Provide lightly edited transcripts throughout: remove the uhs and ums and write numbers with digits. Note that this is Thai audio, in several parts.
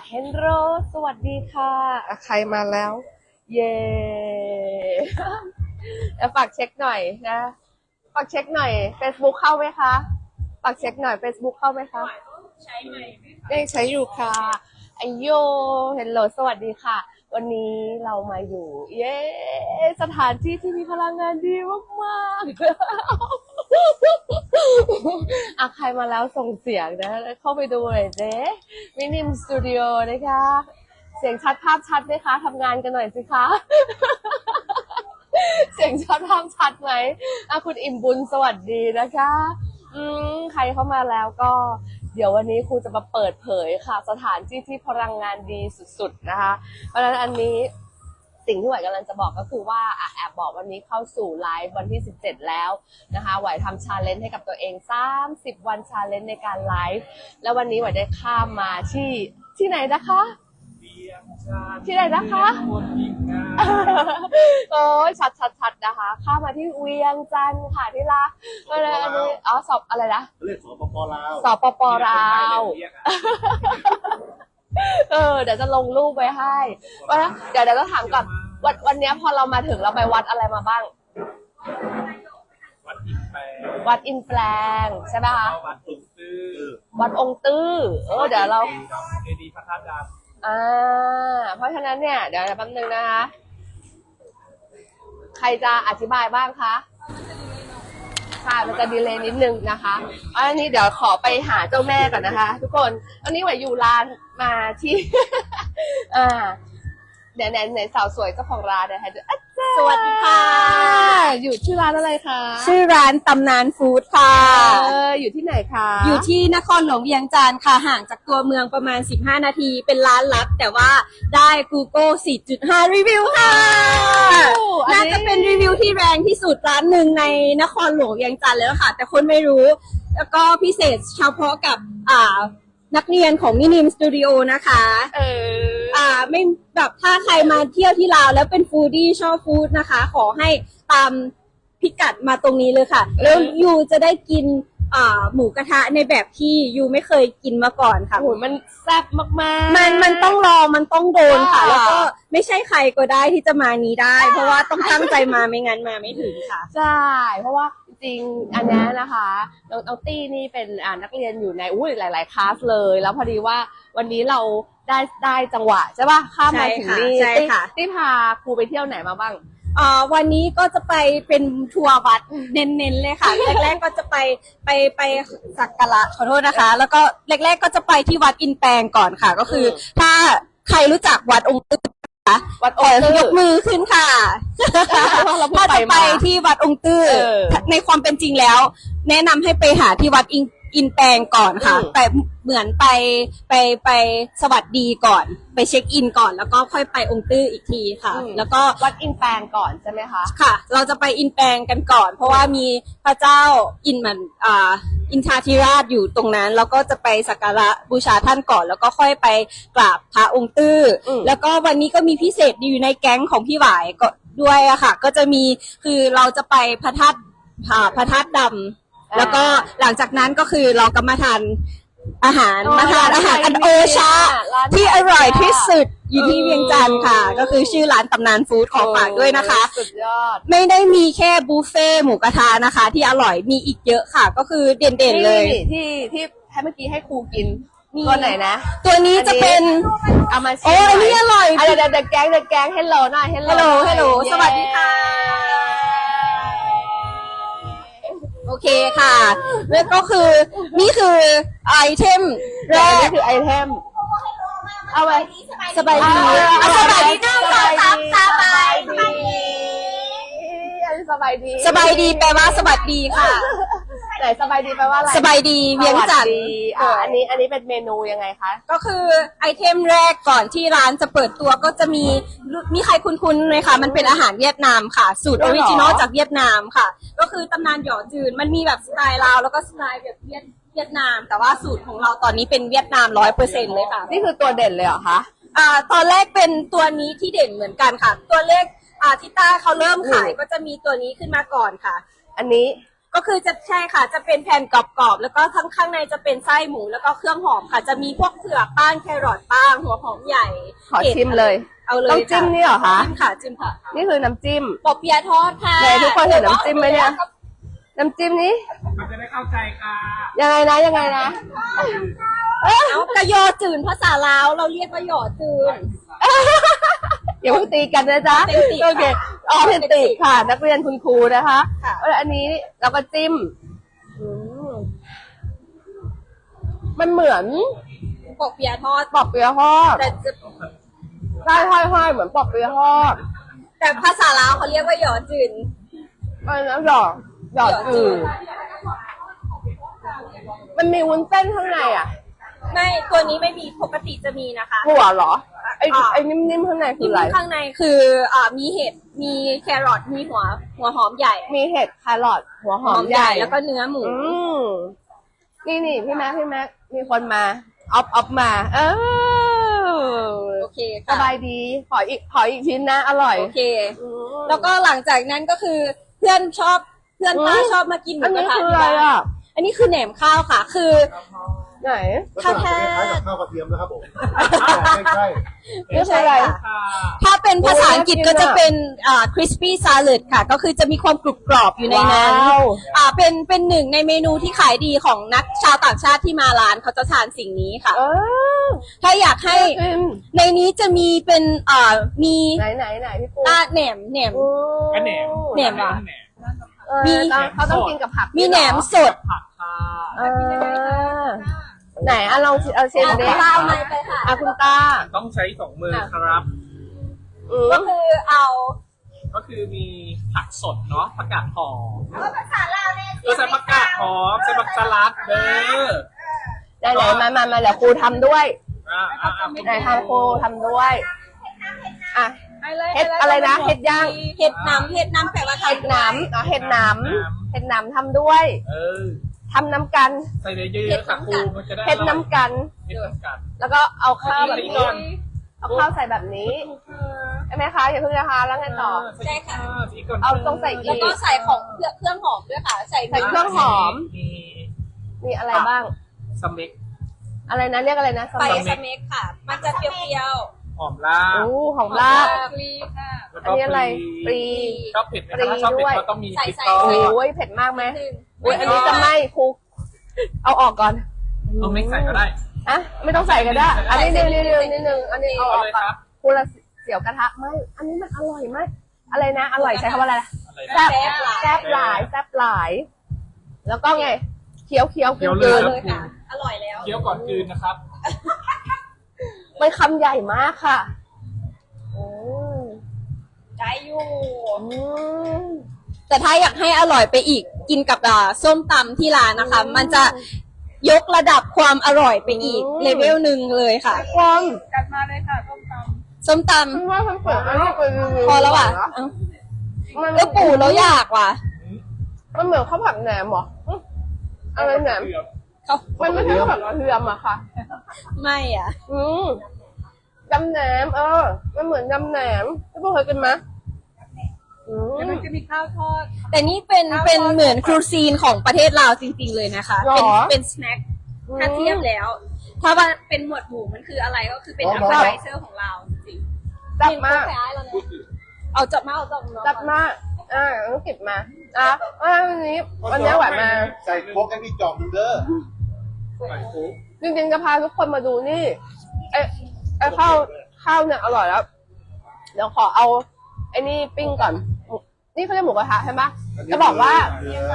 เฮนโรสวัสดีค่ะใครมาแล้ว เย่แล้วฝากเช็คหน่อยนะฝากเช็คหน่อย Facebook เข้าไหมคะฝากเช็คหน่อย Facebook เข้าไหมคะใช้ไหมได้ใช้อยู่ค่ะไอโยเฮนโรสวัสดีค่ะ วันนี้เรามาอยู่ เย้สถานที่ที่มีพลังงานดีมากๆใครมาแล้วส่งเสียงนะเข้าไปดูเลยเด้มินิมสตูดิโอนะคะเสียงชัดภาพชัดไหมคะทำงานกันหน่อยสิคะ เสียงชัดภาพชัดไหมคุณอิ่มบุญสวัสดีนะคะใครเข้ามาแล้วก็เดี๋ยววันนี้ครูจะมาเปิดเผยค่ะสถานที่ที่พลังงานดีสุดๆนะคะเพราะฉะนั้นอันนี้สิ่งที่หวายกำลังจะบอกก็คือว่าแอบบอกวันนี้เข้าสู่ไลฟ์วันที่17แล้วนะคะหวายทำชาเลนจ์ให้กับตัวเอง30วันชาเลนจ์ในการไลฟ์แล้ววันนี้หวายได้ข้ามมาที่ไหนนะคะที่ไหนนะคะโอ้ยชัดนะคะข้ามมาที่เวียงจันทร์ค่ะที่รักก็เลยอันนี้สอบอะไรนะเรียกสปปลาวสปปลาวเดี๋ยวจะลงรูปไว้ให้ว่าเดี๋ยวจะถามก่อนวันนี้พอเรามาถึงเราไปวัดอะไรมาบ้างวัดอินแปลงใช่ไหมคะวัดองค์ตื้อเดี๋ยวเราเจดีย์พระธาตุดำเพราะฉะนั้นเนี่ยเดี๋ยวแป๊บนึงนะคะใครจะอธิบายบ้างคะค่ะมันจะดีเลย์นิดนึงนะคะอันนี้เดี๋ยวขอไปหาเจ้าแม่ก่อนนะคะทุกคนอันนี้หวายอยู่ร้านมาที่ เดี๋ยวไหนสาวสวยเจ้าของร้านนะคะสวัสดีค่ะอยู่ชื่อร้านอะไรคะชื่อร้านตำนานฟู้ดค่ะอยู่ที่ไหนคะอยู่ที่นครหลวงเวียงจันทร์ค่ะห่างจากตัวเมืองประมาณ15นาทีเป็นร้านลับแต่ว่าได้ Google 4.5 รีวิวค่ะน่าจะเป็นรีวิวที่แรงที่สุดร้านหนึ่งในนครหลวงเวียงจันทร์แล้วค่ะแต่คนไม่รู้แล้วก็พิเศษเฉพาะกับนักเรียนของมินิมสตูดิโอนะคะไม่แบบถ้าใครมาเที่ยวที่ลาวแล้วเป็นฟู้ดี้ชอบฟู้ดนะคะขอให้ตามพิกัดมาตรงนี้เลยค่ะแล้วยูจะได้กินหมูกระทะในแบบที่ยูไม่เคยกินมาก่อนค่ะโอ้มันแซ่บมากๆมันต้องรอมันต้องโดนค่ะแล้วก็ไม่ใช่ใครก็ได้ที่จะมานี้ได้เพราะว่าต้องตั้งใจมาไม่งั้นมาไม่ถึงค่ะใช่เพราะว่าจริงอันนี้นะคะน้องตี้นี่เป็นนักเรียนอยู่ในหลายๆคลาสเลยแล้วพอดีว่าวันนี้เราได้จังหวะใช่ป่ะข้ามมาถึงนี่ตี้พาครูไปเที่ยวไหนมาบ้างวันนี้ก็จะไปเป็นทัวร์วัดเน้นๆเลยค่ะแรกๆก็จะไปสักการะขอโทษนะคะแล้วก็แรกๆก็จะไปที่วัดอินแปลงก่อนค่ะก็คือถ้าใครรู้จักวัดองค์ตื้อวัดองค์ตื้อยกมือขึ้นค่ะถ้าจะไปที่วัดองค์ตื้อในความเป็นจริงแล้วแนะนำให้ไปหาที่วัดอินแปลงก่อนค่ะแต่เหมือนไปสวัสดีก่อนไปเช็คอินก่อนแล้วก็ค่อยไปองค์ตื้ออีกทีค่ะแล้วก็วัดอินแปลงก่อนใช่ไหมคะค่ะเราจะไปอินแปลงกันก่อนเพราะว่ามีพระเจ้าอินทาธิราชอยู่ตรงนั้นแล้วก็จะไปสักการะบูชาท่านก่อนแล้วก็ค่อยไปกราบพระองค์ตื้อแล้วก็วันนี้ก็มีพิเศษอยู่ในแก๊งของพี่หวายก็ด้วยอะค่ะก็จะมีคือเราจะไปพระธาตุดำแล้วก็หลังจากนั้นก็คือเราก็มาทานอาหารอันโอชาที่อร่อยที่สุดอยู่ที่เวียงจันทร์ค่ะก็คือชื่อร้านตำนานฟู้ดขอฝากด้วยนะคะสุดยอดไม่ได้มีแค่บุฟเฟ่หมูกระทะนะคะที่อร่อยมีอีกเยอะค่ะก็คือเด่นๆเลยที่ให้เมื่อกี้ให้ครูกินตัวไหนนะตัวนี้จะเป็นเอามาชิมอันนี้อร่อยเดี๋ยวแก๊งเฮลโลหน่อยเฮลโลสวัสดีค่ะโอเคค่ะแล้วก็คือนี่คือไอเทมแรกนี่คือไอเทมเอาไว้สบายดีสบายดีสบายดีสบายดีแปลว่าสวัสดีค่ะไหนสบายดีแปลว่าอะไรสบายดีเวียงจันทร์อันนี้เป็นเมนูยังไงคะก็คือไอเทมแรกก่อนที่ร้านจะเปิดตัวก็จะมีใครคุ้นๆไหมคะมันเป็นอาหารเวียดนามค่ะสูตรออริจินอลจากเวียดนามค่ะก็คือตำนานหยอจืนมันมีแบบสไตล์ลาวแล้วก็สไตล์แบบเวียดนามแต่ว่าสูตรของเราตอนนี้เป็นเวียดนาม 100% เลยค่ะนี่คือตัวเด่นเลยเหรอคะตอนแรกเป็นตัวนี้ที่เด่นเหมือนกันค่ะตัวเลขที่ต้าเขาเริ่มขายก็จะมีตัวนี้ขึ้นมาก่อนค่ะอันนี้ก็คือจะใช่ค่ะจะเป็นแผ่นกรอบๆแล้วก็ข้างในจะเป็นไส้หมูแล้วก็เครื่องหอมค่ะ จะมีพวกเผือกบ้างแครอทบ้างหัวหอมใหญ่ขอชิมเลยเอาเลยต้องจิ้มนี่เหรอคะจิ้มค่ะจิ้มค่ะนี่คือน้ำจิ้มปอเปียะทอดค่ะไหนทุกคนเห็นน้ำจิ้มไหมเนี่ย น้ำจิ้มนี้มันจะได้เข้าใจค่ะยังไงนะยังไงนะเอากระยอจืนภาษาลาวเราเรียกว่าหยอจืนอย่าเพิ่งตีกันนะจ๊ะ Authentic โอเคออเทนติกค่ะ นักเรียนคุณครูนะคะค่ะแล้วอันนี้เราก็จิ้มอืมมันเหมือนปอเปียะทอดปอกเปียะทอดแต่จะใช่ห้อยๆเหมือนปอกเปียะทอดแต่ภาษาลาวเขาเรียกว่าหยอจืนอันนั้นหยอดจืดมันมีวุ้นเส้นข้างในอ่ะไม่ตัวนี้ไม่มีปกติจะมีนะคะหัวเหรอ ไอ้นิ่มๆข้างในคืออะไรข้างในคือมีเห็ดมีแครอทมีหัวหอมใหญ่มีเห็ดแครอทหัวหอมใหญ่แล้วก็เนื้อหมูนี่พี่แม็กมีคนมาออฟมาโอเคสค่ะบายดี ขออีกชิ้นนะ อร่อยโอเคอืมแล้วก็หลังจากนั้นก็คือเพื่อนป้าชอบมากินหมูอันกนี้ระทะคือที่อะไรบ้านอ่ะอันนี้คือแหนมข้าวค่ะ คือไหนถ้าแท้คล้ายๆกับข้าวกระเทียมนะครับผมไม่ใช่นี่คืออะไรค่ะถ้าเป็นภาษาอังกฤษก็จะเป็นcrispy salad ค่ะ ก็คือจะมีความกรุบกรอบอยู่ในนั้นว้าวเป็นหนึ่งในเมนูที่ขายดีของนักชาวต่างชาติที่มาร้านเขาจะทานสิ่งนี้ค่ะเออถ้าอยากให้กินในนี้จะมีเป็นมีไหนพี่ปูแหนมก็แหนมแหนมเหรอแหนมมีมีเขาต้องกินกับผักมีแหนมสดผักค่ะเออไหนลองเอาเชนเดข้าวมาไปค่ะคุณตาต้องใช้สองมือครับก็คือเอาก็คือมีผักสดเนาะผักกาดหอมภาษาลาวเนี่ยก็ใส่ผักกาดหอมใส่ผักสลัดเด้อไหนมาเดี๋ยวครูทำด้วยอ่าไหนทำครูทำด้วยอ่ะ เฮ็ดอะไรนะเฮ็ดย่างเห็ดน้ำแปลว่าเห็ดหนามเห็ดหนามทำด้วยเออทำน้ำกันใส่เยอะๆค่ะครูมันจะได้เห็ดน้ำกันเฮ็ดน้ำกันแล้วก็เอาข้าวแบบอีกนี้ก่อนเอาข้าวใส่แบบนี้ใช่ไหมคะอย่าเพิ่งนะคะแล้วไงต่อใช่ค่ะอีกก่อนเอาต้องใส่อีกแล้วก็ใส่ของเครื่องหอมด้วยค่ะ ใส่ใส่เครื่องหอมมีมีอะไรบ้างสเม็กอะไรนะเรียกอะไรนะสไปมัยสเม็กค่ะ มันจะเปรี้ยวหอมลาบโอ้ของๆลาบกรีค่ะแล้วอันนี้อะไรปรีชอบเผ็ดไหมคะถ้าชอบเผ็ดก็ต้องมีพริกใส่ทอโอ้ดยเผ็ดมากไหมหนึ่งโอ้ยอันนี้จะไหม้ครูเอาออกก่อนเอาไม่ใส่ก็ได้อ่ะไม่ต้องใส่ก็ได้ อันนี้นิดนึงอันนี้เอาอเอาอกเลยก่อนครับครูละเสียวกระทะไม่อันนี้มันอร่อยมากอะไรนะอร่อยใช้คำว่าอะไรนะอะไรแซ่นะบแซ่บหลาย แล้วก็ไงเคี้ยวเคี้ยวกินเลเลยค่ะ อร่อยแล้วเคี้ยวก่อนกลืนนะครับมันคำใหญ่มากค่ะอืมได้อยู่อืมแต่ถ้าอยากให้อร่อยไปอีกกินกับส้มตำที่ร้านนะคะ มันจะยกระดับความอร่อยไปอีกเลเวลหนึ่งเลยค่ะความส้มตฉันว่าฉันเปิดอันนี้ไปรีวิวำพอแล้วอ่ะมันแล้วปู่เราอยากว่ะมันเหมือนข้าวผัดแหนมเหรออะไรแหนมเขามันไม่ใช่ข้าวผัดกระเทียมอะค่ะไม่อ่ะยำแหนมมันเหมือนยำแหนมพี่พวกเคยกินไหมมันจะมีข้าวทอดแต่นี่เป็นเหมือนครูซีนของประเทศลาวจริงๆเลยนะคะหรอเป็นสแน็คถ้าเทียบแล้ว ถ้าว่าเป็นหมวดหมู่มันคืออะไรก็คือเป็นอัพเปอร์ไเซอร์ของเราจริงๆจับมากเอาจับมาจับมากต้องเก็บมาวันนี้หวานมาใส่โคกให้พี่จอมดูเด้อใส่คุกจริงๆจะพาทุกคนมาดูนี่ไอ้ข้าวเนี่ยอร่อยแล้ว เดี๋ยวขอเอาไอ้นี่ปิ้งก่อน นี่เขาเรียกหมูกระทะใช่ไหมจะบอกว่าเนื้อก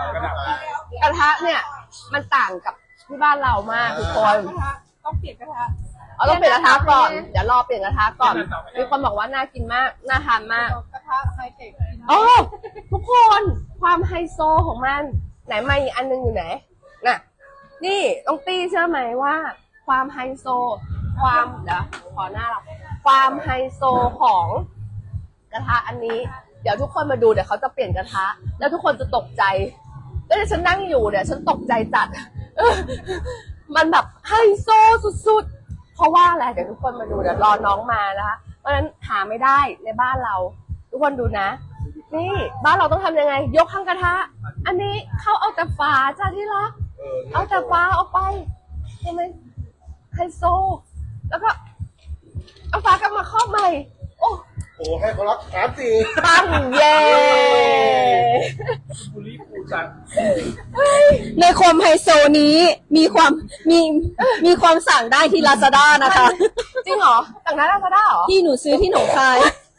ระทะเนี่ย มันต่างกับที่บ้านเรามากทุกคนต้องเปลี่ยนกระทะต้องเปลี่ยนกระทะก่อน เดี๋ยวรอเปลี่ยนกระทะก่อน มีคนบอกว่าน่ากินมาก น่าทานมากกระทะไฮเทคโอ้ทุกคนความไฮโซของมัน ไหนมาอีกอันนึงอยู่ไหนน่ะ นี่ต้องตี้เชื่อไหมว่า ความไฮโซ เดี๋ยวขอหน้าเราความไฮโซของกระทะอันนี้ เดี๋ยวทุกคนมาดูเดี๋ยวเขาจะเปลี่ยนกระทะ แล้วทุกคนจะตกใจแล้วเดี๋ยวฉันนั่งอยู่เนี่ยฉันตกใจจัด มันแบบไฮโซสุดๆเพราะว่าอะไรเดี๋ยวทุกคนมาดูเดี๋ยวรอน้องมานะคะเพราะฉะนั้นหาไม่ได้ในบ้านเรา ทุกคนดูนะนี่บ้านเราต้องทำยังไง ยกข้างกระทะ อันนี้เขาเอาแต่ฝาจ้าที่รัก เอาแต่ฝาออกไปใช่ไหมไฮโซ แล้วก็เอาฝากลับมาครอบใหม่ โอ้โอ้ให้เขารับ3-4 ปังเย่บุรีปูจังในโคมไฮโซนี้มีความสั่งได้ที่ Lazada นะคะจริงเหรอต่างนั้นลาซาด้าเหรอที่หนูซื้อที่หนองคาย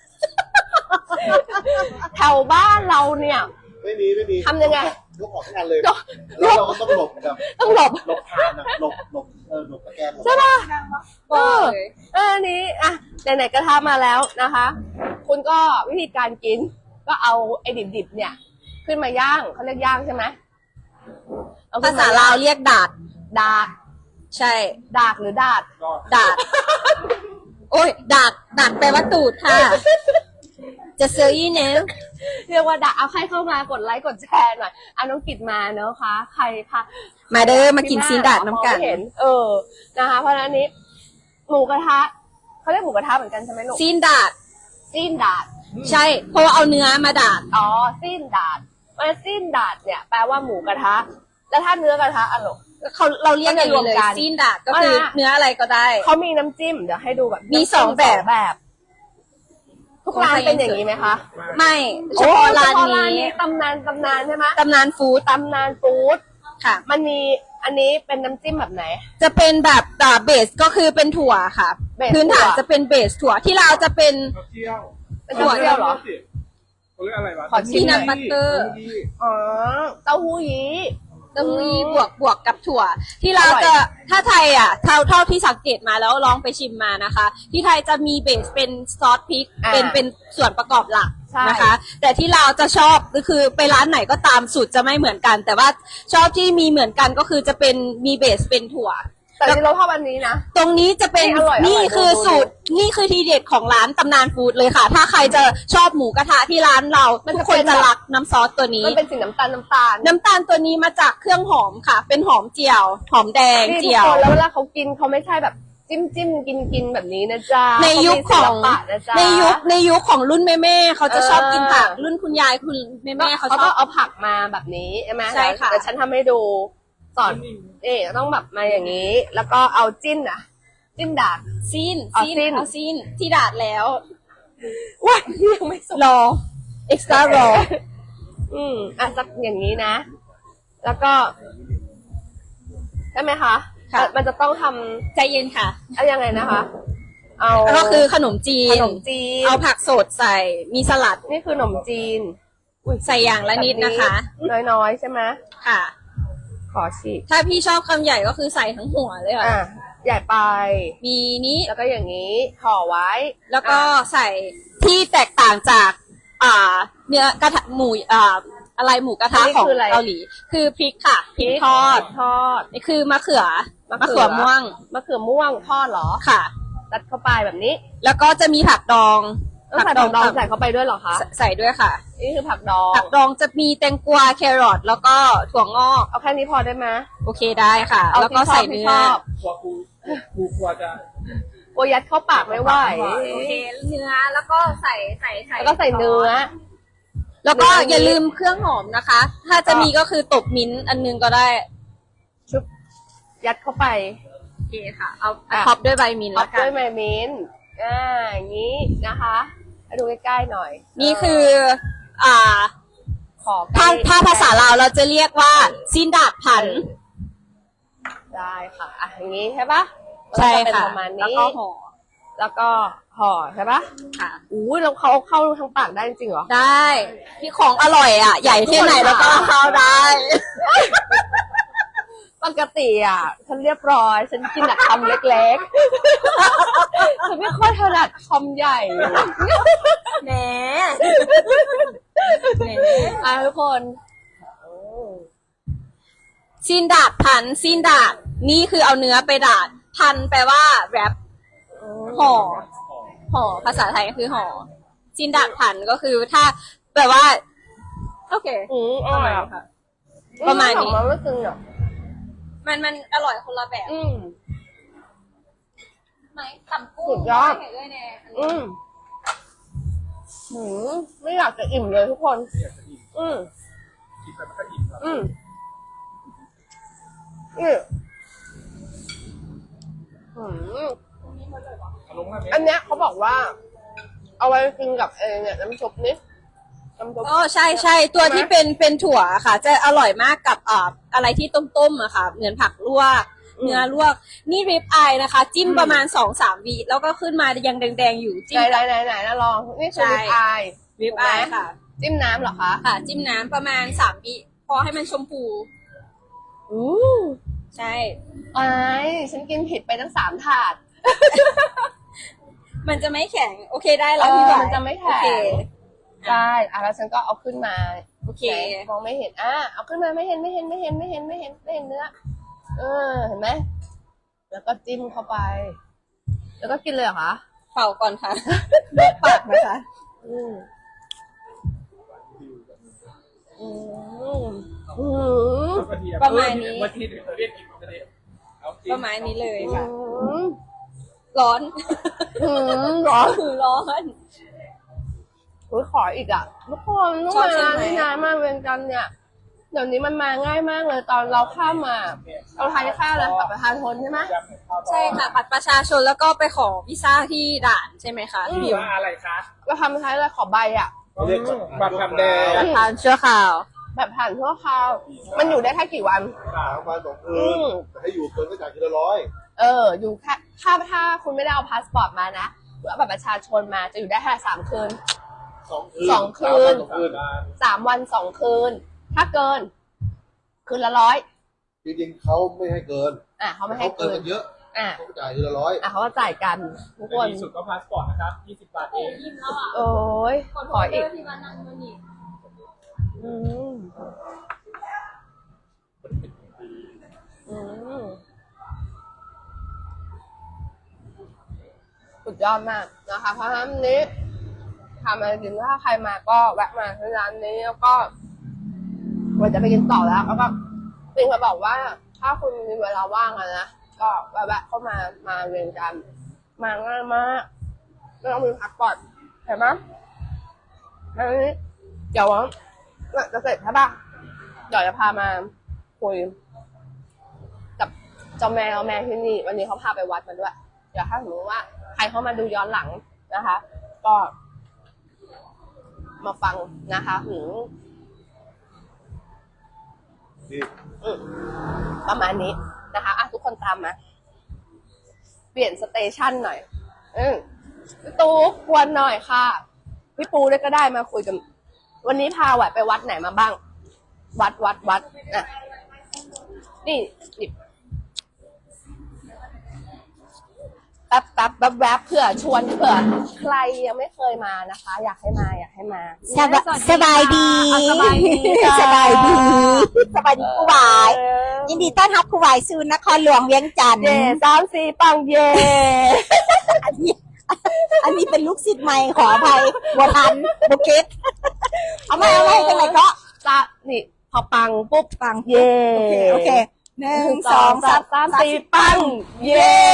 แถวบ้านเราเนี่ยไม่มีทำยังไงยกออกทั้งอันเลยแล้วเราก็ต้องหลบแบบต้องหลบหลบทานนะหลบหลบตะแกรงใช่ป่ะอันนี้อ่ะไหนๆก็ทำมาแล้วนะคะ คุณก็วิธีการกิน ก็เอาไอ้ดิบๆเนี่ย ขึ้นมาย่างเขาเรียกย่างใช่ไหมเอขึ้ภาน ษาลาวเรียกดาดดากใช่ดากหรือดาดดาด โอ้ยดาดแปลว่าตูดค่ะ จะเซอร์ยี่เนลเรียกว่าดากเอาใครเข้ามากดไลค์กดแชร์หน่อยอ่ะน้องกิดมาเนอะคะใครคะมาเด้อมากินซีนดาดน้ำกันมองไม่เห็นนะคะ เพราะฉะนั้นนี้ หมูกระทะเขาเรียกหมูกระทะเหมือนกันใช่ไหมลูกซีนดาดซีนดาดใช่ เพราะว่าเอาเนื้อมาดาดอ๋อซีนดาดมันซีนดาดเนี่ยแปลว่าหมูกระทะ แล้วถ้าเนื้อกระทะอะลูกเราเรียกอย่างนี้เลยก็จะรวมกันซีนดาดก็คือเนื้ออะไรก็ได้เขามีน้ำจิ้มเดี๋ยวให้ดูแบบมีน้ำจิ้สองแบบทุกร้านเป็นอย่างนี้ไหมคะไม่เฉพาะร้านเฉพาะนี้ตำนานใช่ไหมตำนานฟู้ดตำนานฟู้ดค่ะมันมีอันนี้เป็นน้ำจิ้มแบบไหนจะเป็นแบบเบสก็คือเป็นถั่วค่ะเบสพื้นฐานถั่วจะเป็นเบสถั่วที่เราจะเป็นเที่ยวเป็นเต้าเจี้ยวเหรอเขาเรียกอะไรวะขอชิมหน่อยบัตเตอร์อ๋อเต้าหู้ยี้เต้าหู้ยี้บวกกับถั่ว ที่เราจะถ้าไทยอ่ะเท่าที่สังเกตมาแล้วลองไปชิมมานะคะ ที่ไทยจะมีเบสเป็นซอสพริกเป็นส่วนประกอบหลักนะคะ แต่ที่เราจะชอบก็คือไปร้านไหนก็ตามสูตรจะไม่เหมือนกัน แต่ว่าชอบที่มีเหมือนกันก็คือจะเป็นมีเบสเป็นถั่วแต่ที่เราชอบอันนี้นะตรงนี้จะเป็นนี่อร่อยนี่คือดูสูตรนี่คือทีเด็ดของร้านตำนานฟู้ดเลยค่ะ ถ้าใครจะชอบหมูกระทะที่ร้านเรามันทุจะกคนเป็นจะแบบรักน้ำซอสตัวนี้มันเป็นสีน้ำตาลน้ำตาลตัวนี้มาจากเครื่องหอมค่ะ เป็นหอมเจียว หอมแดงนี่ทุเจีกยวคนแล้วเวลาเขากินเขาไม่ใช่แบบจิ้มกินแบบนี้นะจ๊ะในยุคของเขามีศิลปะนะจ๊ะในยุคของรุ่นแม่เขาจะชอบกินผักเออรุ่นคุณยายคุณแม่เขาเขาชก็อบเอาผักมาแบบนี้ใช่ไหมใช่ค่ะแต่ฉันทำให้ดูสอนต้องแบบมาอย่างนี้ แล้วก็เอาจิ้นดาดซีนอ๋อซีนซีนเอาซีนที่ดาดแล้วว้ายยังไม่สุกรอ extra raw สักอย่างนี้นะ แล้วก็ใช่ไหมคะค่ะมันจะต้องทใจเย็นค่ะำยังไงนะคะ เอาก็คือขนมจีขนนมจีนเอาผักสดใส่มีสลัดนี่คือขนมจีนใส่อย่างละนิดนะคะน้อยๆใช่ไหมค่ะขอฉีกถ้าพี่ชอบคำใหญ่ก็คือใส่ทั้งหัวเลยค่ะใหญ่ไปมีนี้แล้วก็อย่างนี้ห่อไว้แล้วก็อ่ะใส่ที่แตกต่างจากเนื้อกระทะหมูอะไรหมูกระทะของเกาหลี คือพริกค่ะพริกทอดทอดนี่คือมะเขือม่วงมะเขือม่วงทอดเหรอค่ะตัดเข้าไปแบบนี้แล้วก็จะมีผักดองต้องใส่ผักดองใส่เข้าไปด้วยเหรอคะใส่ด้วยค่ะนี่คือผักดองผักดองจะมีแตงกวาแครอทแล้วก็ถั่วงอกเอาแค่นี้พอได้ไหมโอเคได้ค่ะเอาแล้วก็ที่ชอบใส่ที่เนื้ชออบกูกลัวจะโอยัดเข้าปากไม่ไหวโอเคเนื้อแล้วก็ใส่แล้วก็ใส่เนื้อแล้วก็เนื้ออย่าลืมเครื่องหอมนะคะ ถ้าจะมีก็คือตบมิ้นท์อันนึงก็ได้ชุบยัดเข้าไปโอเคค่ะ เอาอ่ะท็อปด้วยใบมิ้นท์ท็อแล้ปวกัด้วน ยไมมิ้นท์อย่างนี้นะคะให้ดูใกล้ๆหน่อยนี่คือขอใกล้ถ้าภาษาลาวเราจะเรียกว่าซินดาดผันได้ค่ะอย่างนี้ใช่ปะใช่มันจเป็นค่ะประมาณแล้วนี้ก็ห่อแล้วก็ห่อใช่ปะค่ะอู้ยแล้วเขาเอาเข้าทางปากได้จริงเหรอได้ที่ของอร่อยอ่ะ ใหญ่แค่ไหนแล้วก็เอาเข้าได้ปกติฉันเรียบร้อย ฉันกินแต่คำเล็กๆ ฉันไม่ค่อยถนัดคำใหญ่แหมทุกคนซินดาดผันซินดาดนี่คือเอาเนื้อไปดาดพันแปลว่าแรปห่อภาษาไทยคือห่อซินดาดผันก็คือถ้าแปลว่า โอเคอร่อยค่ะ ประมาณนี้มันไม่ซึ้งหรอกมันอร่อยคนละแบบอืมไหมตำกุ้งสุดยอดด้วยแน่อืมไม่อยากจะอิ่มเลยทุกคนไม่อยากจะอิ่มอืมกินไปมันก็อิ่มแล้วอืมอืมอืมเอาลงมาไหมอันเนี้ยเขาบอกว่า เอาไว้กินกับเนี่ยน้ำซุปนี่น้ำซุปอ๋อใช่ใช่ตัวที่เป็นถั่วค่ะ จะอร่อยมากกับอะไรที่ต้มๆอะค่ะเหมือนผักลวกเนื้อลวกนี่ริบอายนะคะ จิ้มประมาณ2-3 วิแล้วก็ขึ้นมายังแดงๆอยู่จิ้มไหนนะลอง นี่คือใช่ริบอายริบอายค่ะจิ้มน้ำเหรอคะค่ะ จิ้มน้ำประมาณ3 วิพอให้มันชมพูอู้ใช่อายฉันกินผิดไปทั้ง3 ถาดมันจะไม่แข็งโอเคได้แล้วพี่หวายมันจะไม่แข็งโอเคใช่แล้วฉันก็เอาขึ้นมาโอเคไหนมองไม่เห็นเอาขึ้นมาไม่เห็นเนื้อเห็นไหมแล้วก็จิ้มเข้าไป แล้วก็กินเลยเหรอคะเป่าก่อนค่ะลวกปากนะคะอืมอืมอืมประมาณนี้วันที่เดี๋ยวเรียกกินกันเลยเอาจริงประมาณนี้เลยอืค่ะมร้อนร้อนร้อนอุ๊ยขออีกอ่ะทุกคนต้องชอบมาใช่ไหมที่นานมากเวียงจันทร์เนี่ยเดี๋ยวนี้มันมาง่ายมากเลยตอนเราข้ามมาเราทานแค่อะไรแบบประชาชนใช่ไหมใช่ค่ะบัตรประชาชนแล้วก็ไปขอวีซ่าที่ด่านใช่ไหมคะหรือว่าอะไรคะเราทำใช้อะไรขอใบอ่ะเรียกบัตรทำแดงประธานชั่วคราวแบบผ่านชั่วคราวมันอยู่ได้แค่กี่วันประมาณ2 คืนแต่ให้อยู่เกินก็จ่ายทีละ100 อยู่แค่ถ้าคุณไม่ได้เอาพาสปอร์ตมานะหรือเอาบัตรประชาชนมาจะอยู่ได้แค่3 คืน 2 คืน 2 คืน 3 วัน 3 วัน 2 คืน 2 คืน ถ้าเกิน คืนละ100 จริงๆเขาไม่ให้เกินเขาไม่ให้เกิเกินนกันเยอะอ่ะเขาก็จ่ายทีละ100 เขาก็จ่ายกันทุกคนดีสุดก็พาสปอร์ตนะครับ20 บาทเองโอ้ยขออีกอืมอืมสุดยอดมากนะคะเพราะฉะนั้นนี้ทำอะไรกินถ้าใครมาก็แวะมาที่ร้านนี้แล้วก็วันจะไปกินต่อแล้วก็จริงเขาบอกว่า ถ้าคุณมีเวลาว่างอะนะก็แวะเข้ามาเรียนกันมาง่ายมากไม่ต้องมีพักก่อนเห็นไหมแล้วนี้เดี๋ยวจะเสร็จใช่ปะเดี๋ยวจะพามาคุยกับเจ้าแม่ที่นี่วันนี้เขาพาไปวัดมาด้วยเดี๋ยวถ้าสมมติว่าใครเข้ามาดูย้อนหลังนะคะ ก็มาฟังนะคะนี่ประมาณนี้นะคะทุกคนตามมาเปลี่ยนสเตชันหน่อยพี่ตูกวนหน่อยค่ะพี่ปูด้วยก็ได้มาคุยกันวันนี้พาไหวไปวัดไหนมาบ้าง วัดอ่ะนี่หยิบแป๊บเผื่อชวนเผื่อใครยังไม่เคยมานะคะ อยากให้มาสบายดีสบายดีค่ะสบายดีครูหวาย ยินดีต้อนรับครูหวายสู่นครหลวงเวียงจันทร์เย่3-4ปังเย่อันนี้เป็นลูกศิษย์ใหม่ขออภัยบัวทันบุเก็ตเอาไม่จังไหนก็นี่พอปังปุ๊บฟังเย่โอเค1 2 3 4ปังเย่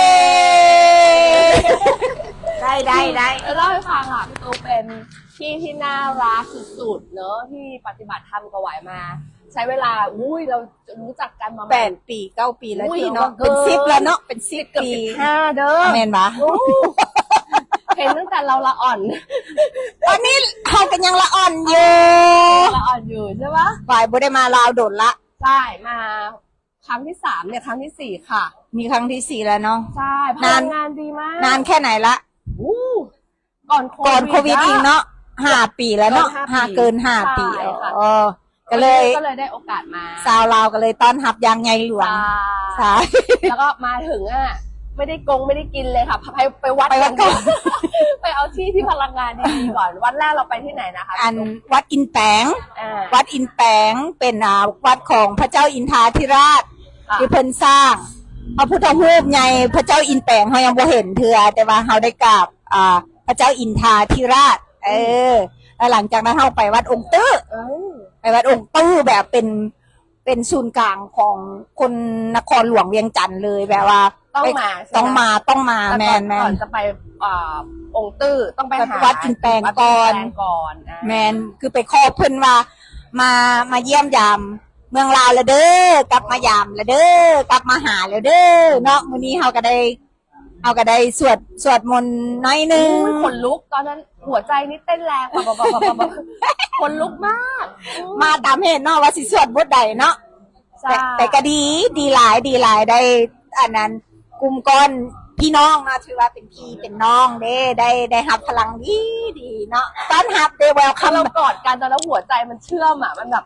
ได้เล่าให้ฟังพี่ตูเป็นพี่ที่น่ารักสุดๆเนอะที่ปฏิบัติธรรมกับไหวมา ใช้เวลาเรารู้จักกันมา 8 ปี 9 ปีแล้วอุ้ยพี่เนาะเกินเป็น10แล้วเนาะเป็นเกือบ 10 ปี 15เด้อแม่นปะเห็นตั้งแต่เราละอ่อนตอนนี้เขากันยังละอ่อนอยู่ละอ่อนอยู่ใช่ปะฝ่ายบ่ได้มาลาวโดดละใช่มาครั้งที่3เนี่ยครั้งที่4ค่ะมีครั้งที่ 4 แล้วเนาะใช่พลังงานดีมากนานแค่ไหนละอู้ก่อนโคก่อนโควิดอีกเนาะ5 ปีแล้วเนาะเกิน5 5 ปีใช่ค่ะอ๋อก็เลยได้โอกาสมาสาวลาวก็เลยต้อนรับอยางไงหลวงใช่ใช่แล้วก็มาถึงไม่ได้กินเลยค่ะไปวัดไปวัดก่อนไปเอาที่พลังงานดีๆก่อนวันแรกเราไปที่ไหนนะคะอันวัดอินแปงอ่าวัดอินแปงเป็นวัดของพระเจ้าอินทราธิราชค่ะที่เพิ่นสร้างพระพุทธรูปใหญ่พระเจ้าอินแปงเฮายังบ่เห็นเถื่อแต่ว่าเฮาได้กราบพระเจ้าอินทราธิราชแล้วหลังจากนั้นเฮาไปวัดองค์ตื้อ ไปวัดองค์ตื้อแบบเป็นศูนย์กลางของคนนครหลวงเวียงจันทร์เลยแบบว่าต้องมาใช่ไหต้องมาแต่แมนก่อนจะไปองค์ตื้อต้องไปหาวัดอินแปลงก่อนวัดอินแปลงก่อนอ่ะแมนคือไปขอเพิ่นว่ามาเยี่ยมยามเมืองลาวแล้วเด้อกลับมายามแล้วเด้อกลับมาหาแล้วเด้อเนาะมื้อนี้เฮาก็ได้สวดมนต์น้อยหนึงอุ้ยขนลุกตอนนั้นหัวใจนี่เต้นแรงแบบขนลุกมากมาตามเหตุเนาะว่าสิสวดบทใดเนาะใช่แต่ก็ดีหลายได้อันนั้นกลุ่มก้อนพี่น้องนะถือว่าเป็นพี่เป็นน้องได้รับพลังดีเนาะต้อนรับได้แวลคัถ้าม เรากอดกันตอนนั้นหัวใจมันเชื่อมอ่ะมันแบบ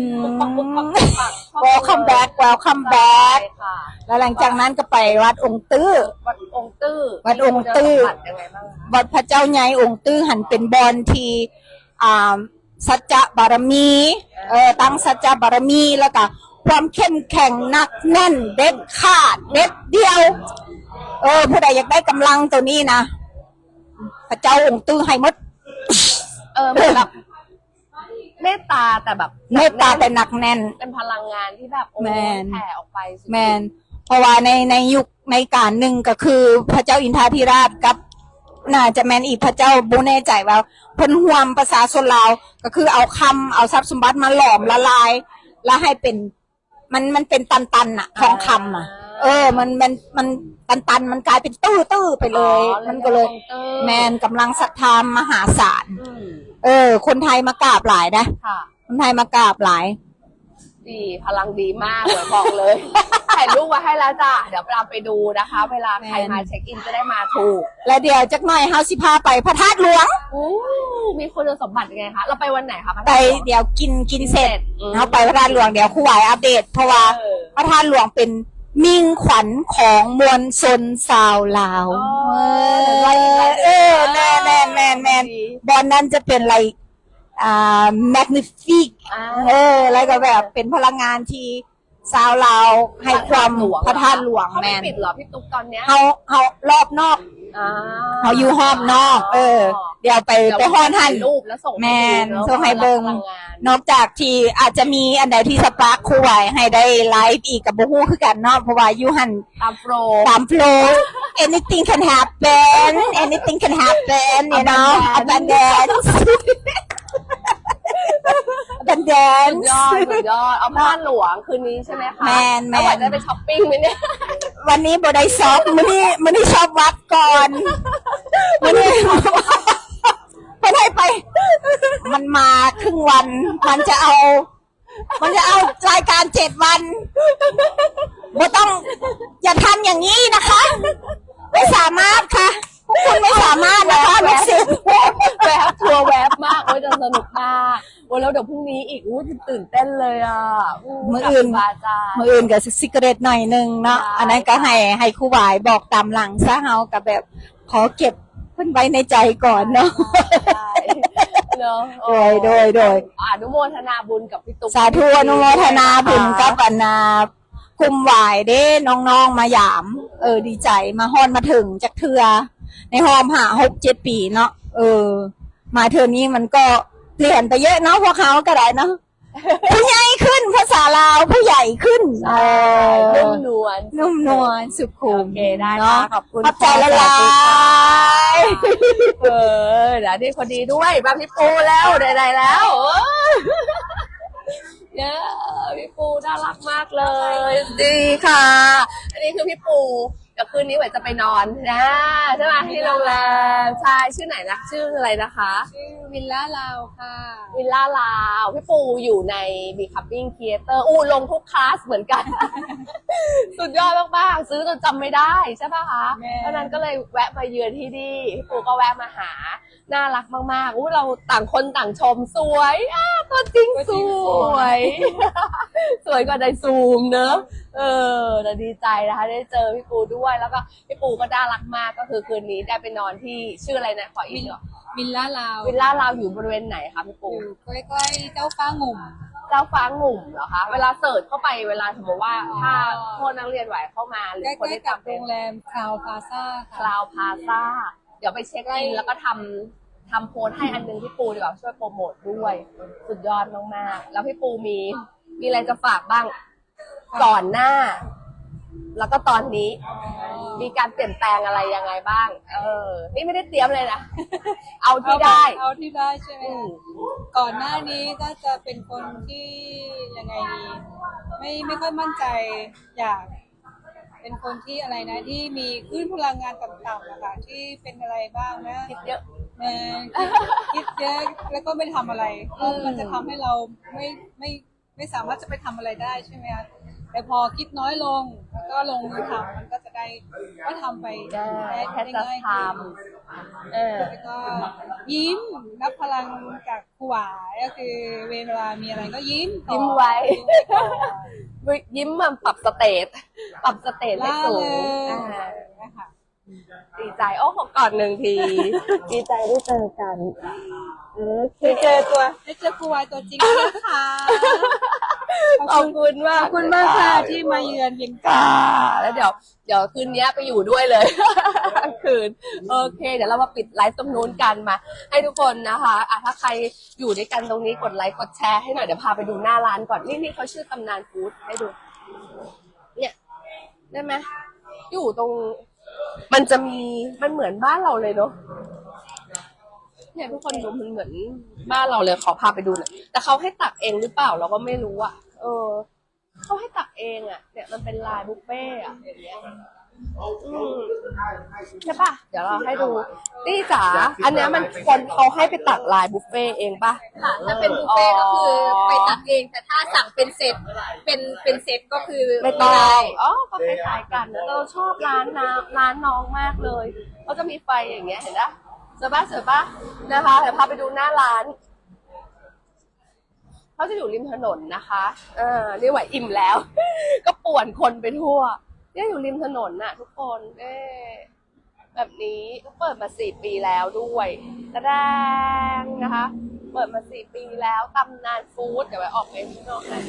welcome back ใช่ค่ะแล้วหลังจากนั้นก็ไปวัดองค์ตื้อวัดองค์ตื้อวัดองค์ตื้อมีคุณสมบัติยังไงบ้างคะวัดพระเจ้าใหญ่องค์ตื้อหันเป็นบอนที่สัจจะบารมีตั้งสัจจะบารมีแล้วก็ความเข้มแข็งหนักแน่นเด็ดขาดเด็ดเดียวผู้ใดอยากได้กำลังตัวนี้นะพระเจ้าองค์ตื้อให้หมดเหมือนแบบเมตตาแต่แบบเมตตาแต่หนักแน่นเป็นพลังงานที่แบบโอ้แมนแผ่ออกไปสุดๆแมนเพราะว่าในยุคในการหนึ่งก็คือพระเจ้าอินทราธิราชกับน่าจะแมนอีกพระเจ้าบูแน่ใจว่าเพิ่นห่วมภาษาชนลาวก็คือเอาทรัพย์สมบัติมาหลอมละลาย แล้วให้เป็นมันเป็นตันๆน่ะทองคำอ่ะมันตันมันกลายเป็นตื้อไปเลย มันก็เลยแมนกำลังศรัทธามหาศาล คนไทยมากราบหลายนะค่ะคนไทยมากราบหลายดีพลังดีมากเลยบอกเลย ถ่ายรูปไว้ให้แล้วจ้ะเดี๋ยวเราไปดูนะคะ เวลาใครมาเช็คอินจะได้มาถูกแล้วเดี๋ยวจักหน่อยเฮาสิพาไปพระธาตุหลวงอู้มีคุณสมบัติยังไงคะเราไปวันไหนคะพระไปธาตุหลวงเดี๋ยวกินเสร็จอืมเฮาไปพระธาตุหลวงเดี๋ยวครูหวายอัปเดต เพราะว่าพระธาตุหลวงเป็นมิ่งขวัญของมวลชนชาวลาวแม่นบอนนั้นจะเป็นอะไรmagnific แล้วก็แบบเป็นพลังงานที่ชาวลาวให้ความพระธาตุหลวงเขาแม่ไม่นปิดเหรอพี่ตุ๊กตอนเนี้ยเฮารอบนอกอ่าเขาอยู่ห้อมนอก เดี๋ยวไปห้อนหันถ่ายรูปแล้วส่งแม่นให้ดูส่งให้เบิ่งพลังงานนอกจากที่อาจจะมีอันใดที่สปาร์คครูไหวให้ได้ไลฟ์อีกกับบูฮู้คือกันเนาะเพราะว่าอยู่หันตามโปรตามโฟลว์ anything can happen you know abundance สุดยอดเอาพระธาตุหลวงคืนนี้ใช่ไหมคะแม่นแล้ววันจะไปช้อปปิ้งไหมเนี่ยวันนี้บ่ได้ช็อปมื้อนี้ช็อปวัดก่อนมื้อนี้ไม่ได้ไป มันมาครึ่งวัน มันจะเอารายการ7 วันบ่ต้องอย่าทำอย่างนี้นะคะ ไม่สามารถค่ะพวกคุณไม่สามารถนะคะลูกศิษย์แวบทัวร์แวบมากโอ้ยจะสนุกมากโอ้ยแล้วเดี๋ยวพรุ่งนี้อีกอู้ตื่นเต้นเลยอ่ะมื้ออื่นกับบาจารย์มืออื่นกับซิกเรตหน่อยนึงเนาะใช่อันนั้นก็ให้ครูหวายบอกตามหลังซะเฮากับแบบขอเก็บเพิ่นไว้ในใจก่อนเนาะใช่เนาะโดยอนุโมทนาบุญกับพี่ตุ๊กสาธุอนุโมทนาบุญกับอันนาคุมหวายเด้น้องๆมาหยาม ดีใจมาฮอนมาถึงจากเทือในหอม6-7 ปีเนาะมาเทือนี้มันก็เปลี่ยนไปเยอะเนาะพวกเขาก็ได้เนาะ ผู้ใหญ่ขึ้นภาษาลาวผู้ใหญ่ขึ้นนุ่มนวลนุ่มนวลสุขุมโอเคได้เนาะค่ะขอบคุณขอบใจละลายเเดี๋ยวนี่พอดีด้วยมาพี่ปูแล้วได้แล้วเนี่ยพี่ปูน่ารักมากเลย ดีค่ะ อันนี้คือพี่ปูเดี๋ยวคืนนี้ไหวจะไปนอนนะใช่ไหมที่โรงแรมใช่ชื่อไหนนะชื่ออะไรนะคะวิลล่าลาวค่ะวิลล่าลาวพี่ปูอยู่ใน Becoming Creator ลงทุกคลาสเหมือนกัน สุดยอดมากๆซื้อจนจำไม่ได้ใช่ป่ะคะแม่เพราะนั้นก็เลยแวะมาเยือนที่นี่พี่ปูก็แวะมาหาน่ารักมากๆเราต่างคนต่างชมสวยตัวจริงสวย สวยกว่าในซูมเนอะเราดีใจนะคะได้เจอพี่ปูด้วยแล้วก็พี่ปูก็น่ารักมากก็คือคืนนี้ได้ไปนอนที่ชื่ออะไรนะขออีกเหรอวิลล่าลาววิลล่าเราอยู่บริเวณไหนคะพี่ปูอยู่ใกล้ๆเจ้าฟ้างุ่มเจ้าฟ้างุ่มเหรอคะ เวลาเสิร์ชเข้าไปเวลาสมมติว่าถ้าโทษนักเรียนไหวเข้ามาหรืใกอคนล้ที่ๆกับจำโรเป็นงแรมคลาวพาซ่าคลาวพาซ่าเดี๋ยวไปเช็คอินแล้วก็ทำโพสต์ให้อันนึงพี่ปูดีกว่าช่วยโปรโมทด้วย สุดยอดมากๆแล้วพี่ปูมีอะไรจะฝากบ้างก่อนหน้าแล้วก็ตอนนี้มีการเปลี่ยนแปลงอะไรยังไงบ้าง นี่ไม่ได้เตรียมเลยนะ เอาที่ได้เอาที่ได้ใช่ไหมคะก่อนหน้านี้ก็จะเป็นคนที่ยังไงดีไม่ค่อยมั่นใจอยากเป็นคนที่อะไรนะที่มีคลื่นพลังงานต่ำๆนะคะที่เป็นอะไรบ้างนะคิดเยอะคิดเยอะแล้วก็ไม่ทำอะไรมันจะทำให้เราไม่สามารถจะไปทำอะไรได้ใช่ไหมคะแต่พอคิดน้อยลงแล้วก็ลงมือทำมันก็จะได้ก็ทำไปได้แค่จะง่ายทขึ้นำแล้วก็ยิ้มรับพลังจากครูหวายก็คือเวลามีอะไรก็ยิ้มก่อนยิ้มไว้ยิ้มไว้ก่อนยิ้มมันปรับสเตตให้สูงนะคะดีใจโอ้ขอกอดหนึ่งที ดีใจได้เจอกันได้เจอครูหวายตัวจริงแล้วนะคะขอบคุณมากขอบคุณมากค่ะที่มาเยือนเวียงจันทค่ะร์แล้วเดี๋ยวคืนนี้ไปอยู่ด้วยเลย ทั้งคืนโอเค เดี๋ยวเรามาปิดไลฟ์ตรงนู้นกันมา ให้ทุกคนนะคะถ้าใครอยู่ด้วยกันตรงนี้กดไลค์กดแชร์ให้หน่อยเดี๋ยวพาไปดูหน้าร้านก่อนนี่เขาชื่อตำนานฟู้ดให้ดู เนี่ยได้ไหมอยู่ตรงมันจะมีมันเหมือนบ้านเราเลยเนาะเนี่ยทุกคนดูมันเหมือนบ้านเราเลยขอพาไปดูหน่อยแต่เขาให้ตักเองหรือเปล่าเราก็ไม่รู้อ่ะเขาให้ตักเองอ่ะเนี่ยมันเป็นลายบุฟเฟ่อะอย่างเงี้ยใช่ปะเดี๋ยวเราให้ดูนี่จ๋าอันเนี้ยมันคนเขาให้ไปตักลายบุฟเฟ่เองปะค่ะถ้าเป็นบุฟเฟ่ก็คือไปตักเองแต่ถ้าสั่งเป็นเซตเป็นเซตก็คือไม่ต้องก็คล้ายๆกันนะเราชอบร้านน้องมากเลยเขาจะมีไฟอย่างเงี้ยเห็นปะเสือปะนะคะเดี๋ยวพาไปดูหน้าร้านเขาจะอยู่ริมถนนนะคะนี่ไหวอิ่มแล้ว ก็ป่วนคนไปทั่วเนี่ยอยู่ริมถนนน่ะทุกคนแบบนี้ก็เปิดมา4 ปีแล้วด้วยแสดงนะคะเปิดมา4 ปีแล้วตำนานฟู้ดเดี๋ยวไปออกไปข้างนอกกัน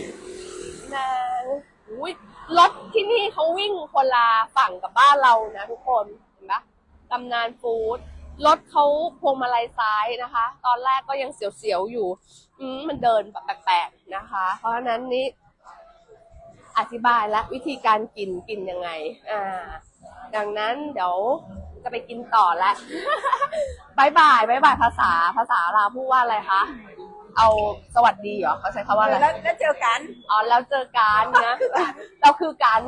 อุ้ยรถที่นี่เขาวิ่งคนละฝั่งกับบ้านเรานะทุกคนเห็นปะตำนานฟู้ดรถเขาพวงมาลัยซ้ายนะคะ ตอนแรกก็ยังเสียวๆอยู่มันเดินแบบแปลกๆนะคะ เพราะฉะนั้นนี้อธิบายและวิธีการกินยังไงดังนั้นเดี๋ยวจะไปกินต่อแล้ว บายบายภาษาลาวพูดว่าอะไรคะเอาสวัสดีเหรอเขาใช้คำว่าอะไรแล้วเจอกันแล้วเจอกันนะเราคือกัน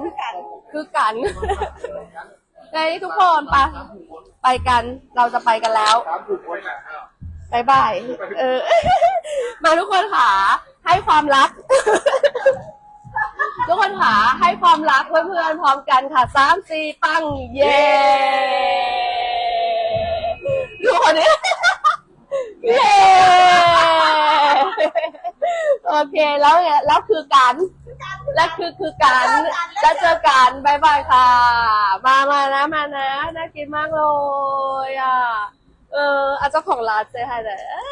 ในทุกคนไปกันเราจะไปกันแล้วบายบายมาทุกคนค่ะให้ความรัก ทุกคนค่ะให้ความรักเพื่อนๆพร้อมกันค่ะ3 4ปังเย้ทุกคนนี้ เย้โอเคแล้วคือกันแล้วคือกันแล้วเจอกันบายบายค่ะมานะน่ากินมากเลยเจ้าของร้านเซฮายเลย